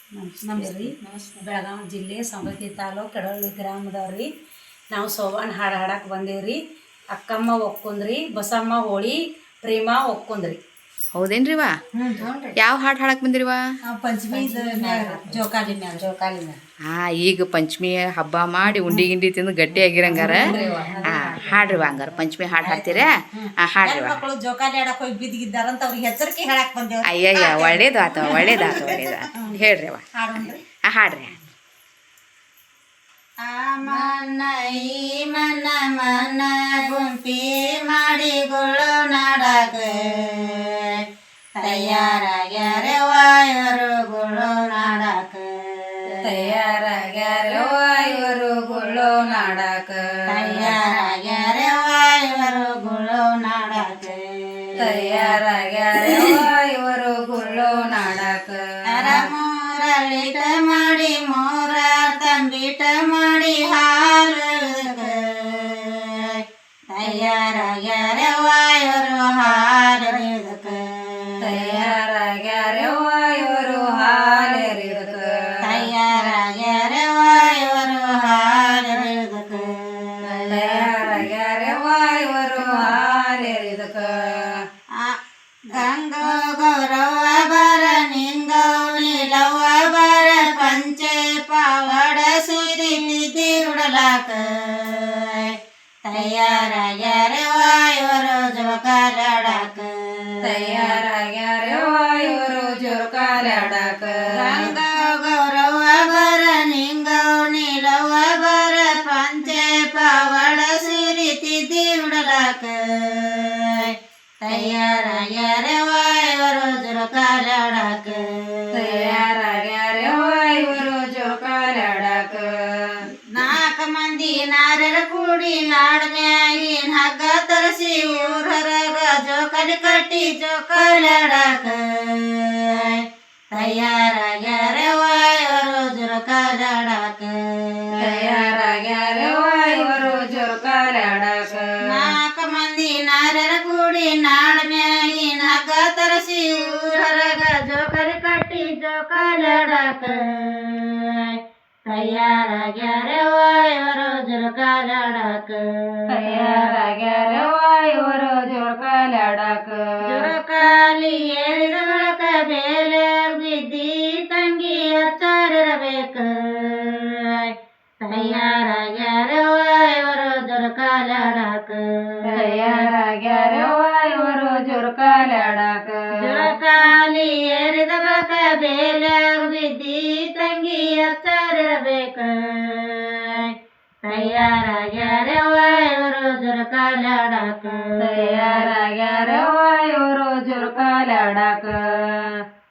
ನಮಸ್ತೆ ರೀ. ಬೆಳಗಾವಿ ಜಿಲ್ಲೆ ಸವದತ್ತಿ ತಾಲೂಕು ಕೆಡವಳ್ಳಿ ಗ್ರಾಮದವ್ರಿ. ನಾವು ಸೋಬಾನ್ ಹಾಡು ಹಾಡಕ್ಕೆ ಬಂದೇವ್ರಿ. ಅಕ್ಕಮ್ಮ ಒಕ್ಕೊಂದ್ರಿ, ಬಸಮ್ಮ ಹೋಳಿ, ಪ್ರೇಮ ಒಕ್ಕೊಂದ್ರಿ. ಹೌದೇನ್ರಿ ವಾ? ಯಾವ ಹಾಡು ಹಾಡಕ್ ಬಂದಿರಿವಾ? ಪಂಚಮಿ ಜೋಕಾಲಿ ಮ್ಯಾಲ. ಈಗ ಪಂಚಮಿ ಹಬ್ಬ ಮಾಡಿ ಉಂಡಿ ಗಿಂಡಿ ತಿಂದು ಗಟ್ಟಿ ಆಗಿರಂಗಾರ. ಹಾಡ್ರಿ ವಾ ಹಂಗಾರ ಪಂಚಮಿ ಹಾಡು ಹಾಡ್ತೀರಾ? ಹಾಡ್ರಿ ವಾ. ಮಕ್ಕಳು ಜೋಕಾಲಿ ಆಡಕ್ ಹೋಗಿ ಬಿದ್ದಿದ್ದಾರಂತ ಅವ್ರಿಗೆ ಹೆಸರಿಕೆ ಹೇಳಕ್ ಬಂದೇವ್. ಅಯ್ಯಯ್ಯ ಒಳ್ಳೇದಾತ ಒಳ್ಳೇದಾತ ಹೇಳ್ರಿ ವಾ. ಹಾಡ್ರಿ. ಮನ ಈ ಮನ ಮನ ಗುಂಪಿ ಮಾಡಿಗಳು ನಾಡಕ ತಯಾರಾಗ್ಯಾರ ವಾಯುರುಗಳು ನಾಡಕ. ತಯಾರಾಗ್ಯಾರ ವಾಯುರುಗಳು ನಾಡಕ. ತಯಾರಾಗ್ಯಾರ ವಾಯುರುಗಳು ನಾಡಕ. ತಯಾರಾಗ್ಯಾರ ವಾಯುರುಗಳು ನಾಡಕ. ಮೂರಳಿಟ ಮಾಡಿ ಮೂರ ತಂಬಿಟ ಮಾಡಿ ಹಾಲು ತಯಾರಾಗ್ಯಾರ ವಾಯುರು ಹಾಲಿದಕ. ತಯಾರಾಗ್ಯಾರ ವಾಯುರು ಹಾಲಿದಕ. ತಯಾರಾಗ್ಯಾರ ವಾಯುರು ಹಾಲಿದಕ. ತಯಾರಾಗ್ಯಾರ ವಾಯುರು ಹಾಲಿದಕ. ಗಂಗೋ ಗೌರವ ಬರ ನಿಂಗೌಲಿ ಲವ ಬರ ಪಂಚೆ ಪಾವಡ ಸಿರಿ ನಿಧಿ ಉಡಲಾಕ. ತಯಾರಾಗ್ಯಾರ ವಾಯುರು ಜೋಕಾಲಾಡಕ. ತಯಾರಾಗ್ಯಾರ ವಾಯುರು ಜೋಕಾಲಾಡಕ. ಗಂಗೋ ಗೌರವ ಬರ ನಿಂಗೌಲಿ ಲವ ಬರ ಪಂಚೆ ಪಾವಡ ಸಿರಿ ತಿದ್ದಿ ಉಡಲಾಕ. ತಯಾರಾಗ್ಯಾರ ವಾಯುರು ಜೋಕಾಲಾಡಕ. ತಯಾರಾಗ್ಯಾರ ವಾಯುರು ಜೋಕಾಲಾಡಕ. 4 ಮಂದಿ ನಾರರ ಕೂಡಿ ನಾಡ್ಮ್ಯಾಗಿನ ಹಗ್ಗ ತರಿಸಿ ಊರಗ ಜೋಕಾಲಿ ಕಟ್ಟಿ ಜೋಕಾಲಾಡಕ. ತಯಾರಾಗ್ಯಾರ ವಾಯುರು ಜೋಕಾಲಾಡಕ. ತಯಾರಾಗ್ಯಾರ ವಾಯುರು ಜೋಕಾಲಾಡಕ. 4 ಮಂದಿ ನಾರರ ಕೂಡಿ ನಾಡ್ಮ್ಯಾಗಿನ ಹಗ್ಗ ತರಿಸಿ ಊರಗ ಜೋಕಾಲಿ ಕಟ್ಟಿ ಜೋಕಾಲಾಡಕ. ತಯಾರಾಗ್ಯಾರ ವಾಯುರು ಜೋಕಾಲಾಡಕ. ತಯಾರಾಗ್ಯಾರ ವಾಯುರು ಜೋಕಾಲಾಡಕ. ಜೋಕಾಲಿ ಏರಿದ ಬಳಕ ಬೇಲೆ ಬಿದ್ದಿ ತಂಗಿ ಹಚ್ಚಾರಿರಬೇಕ. ತಯಾರಾಗ್ಯಾರ ವಾಯುರು ಜೋಕಾಲಾಡಕ. ತಯಾರಾಗ್ಯಾರ ವಾಯುರು ಜೋಕಾಲಾಡಕ. ಜೋಕಾಲಿ ಏರಿದ ಬಳಕ ಬೇಲೆ ಬಿದ್ದಿ ತಂಗಿ ಹಚ್ಚಾರಿರಬೇಕ. ತಯಾರಾಗ್ಯಾರ ವಾಯುರು ಜೋಕಾಲಾಡಕ. ತಯಾರಾಗ್ಯಾರ ವಾಯುರು ಜೋಕಾಲಾಡಕ.